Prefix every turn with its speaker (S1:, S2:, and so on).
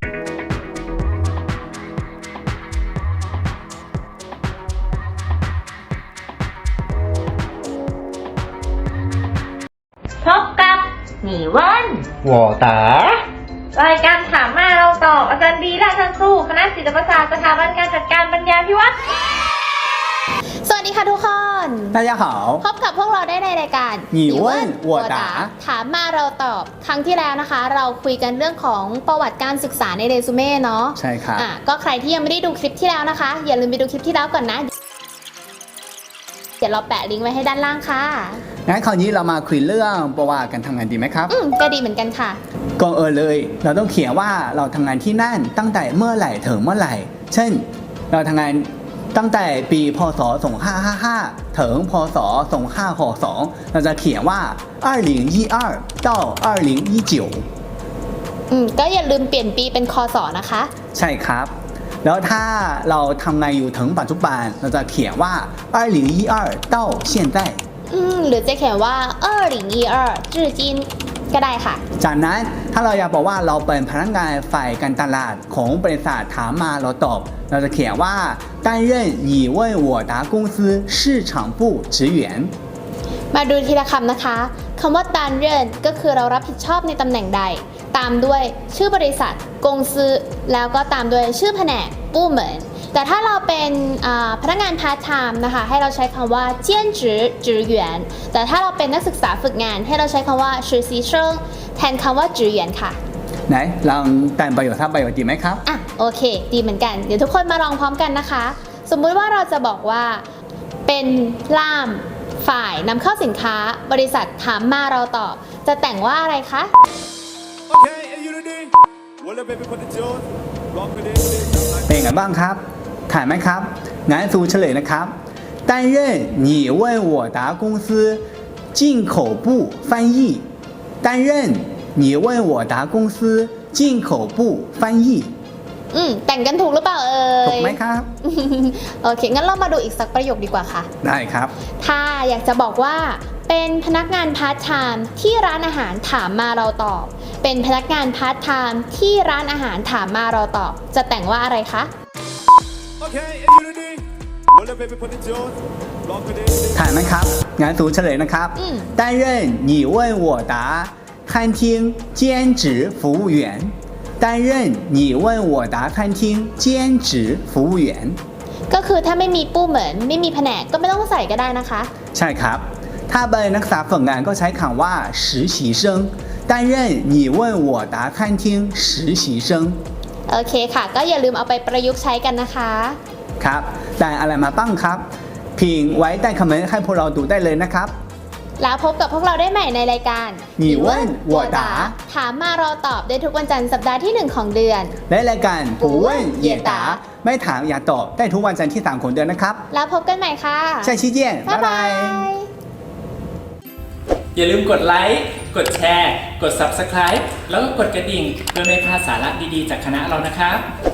S1: พบกับหนีเว่น
S2: 我答
S1: รายการถามมาเราตอบอาจารย์บีและอาจารย์สู้คณะศิลปศาสตร์สถาบันการจัดการปัญญาพิวัตร
S3: สวัสดีค่ะทุกคน
S2: 大家好
S3: พบกับพวกเราได้ในรายการ
S2: 你问我答
S3: ถามมาเราตอบครั้งที่แล้วนะคะเราคุยกันเรื่องของประวัติการศึกษาในเรซูเม่เนาะ
S2: ใช่ครับ
S3: ก็ใครที่ยังไม่ได้ดูคลิปที่แล้วนะคะอย่าลืมไปดูคลิปที่แล้วก่อนนะเดี๋ยวเราแปะลิงก์ไว้ให้ด้านล่างค่ะ
S2: งั้นคราวนี้เรามาคุยเรื่องประวัติการทำงานดีไหมครับ
S3: ก็ดีเหมือนกันค่ะ
S2: ก่อนเลยเราต้องเขียนว่าเราทำงานที่นั่นตั้งแต่เมื่อไหร่ถึงเมื่อไหร่เช่นเราทำงานตั้งแต่ปีพศ2555ถึงพศ2562เราจะเขียนว่า2012到2019
S3: ก็อย่าลืมเปลี่ยนปีเป็นคศนะคะ
S2: ใช่ครับแล้วถ้าเราทำงานอยู่ถึงปัจจุบันเราจะเขียนว่า2012到现在
S3: หรือจะเขียนว่า2012至今ก็ได้ค่ะ
S2: จากนั้นถ้าเราอยากบอกว่าเราเป็นพนักงานฝ่ายการตลาดของบริษัทถามมาเราตอบเราจะเขียนว่า担任你问我答公司市场部职员
S3: มาดูทีละคำนะคะคำว่า担任ก็คือเรารับผิดชอบในตำแหน่งใดตามด้วยชื่อบริษัทกงซือแล้วก็ตามด้วยชื่อแผนกปู้เหมือนแต่ถ้าเราเป็นพนักงานพาร์ทไทม์นะคะให้เราใช้คำว่าเจี้ยนจื้อจื้อหยวนแต่ถ้าเราเป็นนักศึกษาฝึกงานให้เราใช้คำว่า实习生แทนคำว่าจื้อหยวนค่ะ
S2: ไหนลองแต่งประโยคทับประโยคดีไหมครับ
S3: โอเคดีเหมือนกันเดี๋ยวทุกคนมาลองพร้อมกันนะคะสมมุติว่าเราจะบอกว่าเป็นล่ามฝ่ายนำเข้าสินค้าบริษัทถามมาเราตอบจะแต่งว่าอะไรคะ
S2: เป็นไงบ้างครับถ่ายไหมครับงั้นสู่เฉลยนะครับ担任你问我答公司进口部翻译担任你问我答公司进口部翻译
S3: แต่งกันถูกหรือเปล่า
S2: ถูกไหมครับ
S3: โอเคงั้นเรามาดูอีกสักประโยคดีกว่าค่ะ
S2: ได้ครับ
S3: ถ้าอยากจะบอกว่าเป็นพนักงานพาร์ทไทม์ที่ร้านอาหารถามมาเราตอบเป็นพนักงานพาร์ทไทม์ที่ร้านอาหารถามมาเราตอบจะแต่งว่าอะไรคะ
S2: ถ่ายไหมครับงั้นสู่เฉลยนะครับ担任你问我答餐厅兼职服务员担任你问我答餐厅兼职服务员
S3: ก็คือถ้าไม่มีปู้เหมือนไม่มีแผนกก็ไม่ต้องใส่ก็ได้นะคะ
S2: ใช่ครับถ้าเป็นนักศึกษาฝึกงานก็ใช้คำว่า实习生担任你问我答餐厅实习生
S3: โอเคค่ะก็อย่าลืมเอาไปประยุกต์ใช้กันนะคะ
S2: ครับแต่อะไรมาบ้างครับพิมพ์ไว้ใต้คอมเมนต์ให้พวกเราดูได้เลยนะครับ
S3: แล้วพบกับพวกเราได้ใหม่ในรายการ
S2: 你问我答
S3: ถามมาเราตอบได้ทุกวันจันทร์สัปดาห์ที่1ของเดือน
S2: และรายการ不问也答ไม่ถามอย่าตอบได้ทุกวันจันทร์ที่3ของเดือนนะครับ
S3: แล้วพบกันใหม่ค่ะ
S2: 下期见
S3: บ๊ายบาย
S4: อย่าลืมกดไลค์กดแชร์กด Subscribe แล้วก็กดกระดิ่งเพื่อไม่พลาดสาระดีๆจากคณะเรานะครับ